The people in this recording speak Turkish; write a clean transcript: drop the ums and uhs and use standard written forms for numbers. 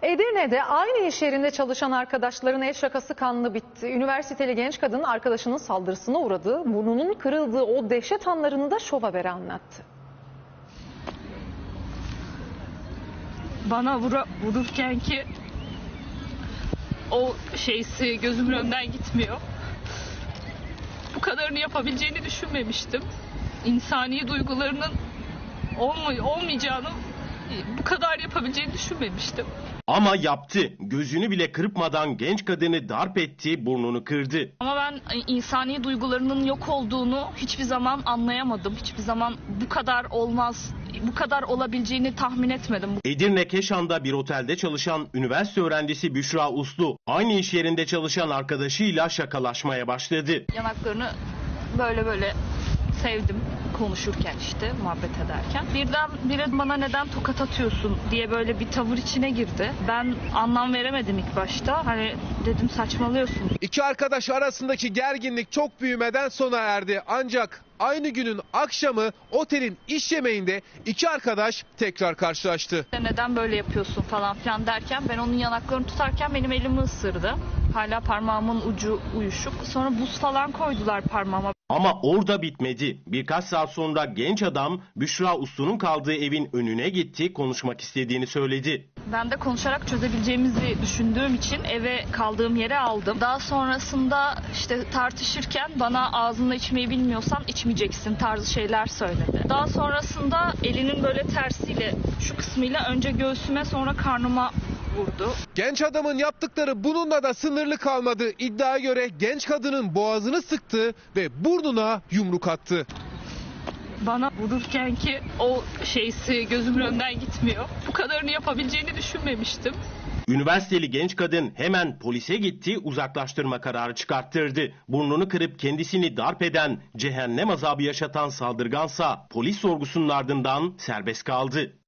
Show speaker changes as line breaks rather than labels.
Edirne'de aynı iş yerinde çalışan arkadaşların el şakası kanlı bitti. Üniversiteli genç kadın arkadaşının saldırısına uğradığı, burnunun kırıldığı o dehşet anlarını da Şov Haber'e anlattı.
Bana vururken ki o şeysi gözümün önünden gitmiyor. Bu kadarını yapabileceğini düşünmemiştim. İnsani duygularının olmayacağını, bu kadar yapabileceğini düşünmemiştim.
Ama yaptı. Gözünü bile kırpmadan genç kadını darp etti, burnunu kırdı.
Ama ben insani duygularının yok olduğunu hiçbir zaman anlayamadım. Hiçbir zaman bu kadar olmaz, bu kadar olabileceğini tahmin etmedim.
Edirne Keşan'da bir otelde çalışan üniversite öğrencisi Büşra Uslu, aynı iş yerinde çalışan arkadaşıyla şakalaşmaya başladı.
Yanaklarını böyle sevdim konuşurken, işte muhabbet ederken. Birdenbire bana neden tokat atıyorsun diye böyle bir tavır içine girdi. Ben anlam veremedim ilk başta. Hani dedim saçmalıyorsun.
İki arkadaş arasındaki gerginlik çok büyümeden sona erdi. Ancak aynı günün akşamı otelin iş yemeğinde iki arkadaş tekrar karşılaştı.
Neden böyle yapıyorsun falan filan derken ben onun yanaklarını tutarken benim elimi ısırdı. Hala parmağımın ucu uyuşuk. Sonra buz falan koydular parmağıma.
Ama orada bitmedi. Birkaç saat sonra genç adam Büşra Uslu'nun kaldığı evin önüne gitti, konuşmak istediğini söyledi.
Ben de konuşarak çözebileceğimizi düşündüğüm için eve kaldığım yere aldım. Daha sonrasında işte tartışırken bana ağzında içmeyi bilmiyorsan içmeyeceksin tarzı şeyler söyledi. Daha sonrasında elinin böyle tersiyle, şu kısmıyla önce göğsüme sonra karnıma vurdu.
Genç adamın yaptıkları bununla da sınırlı kalmadı. İddiaya göre genç kadının boğazını sıktı ve burnuna yumruk attı.
Bana vururken ki o şeysi gözümün önünden gitmiyor. Bu kadarını yapabileceğini düşünmemiştim.
Üniversiteli genç kadın hemen polise gitti, uzaklaştırma kararı çıkarttırdı. Burnunu kırıp kendisini darp eden, cehennem azabı yaşatan saldırgansa polis sorgusunun ardından serbest kaldı.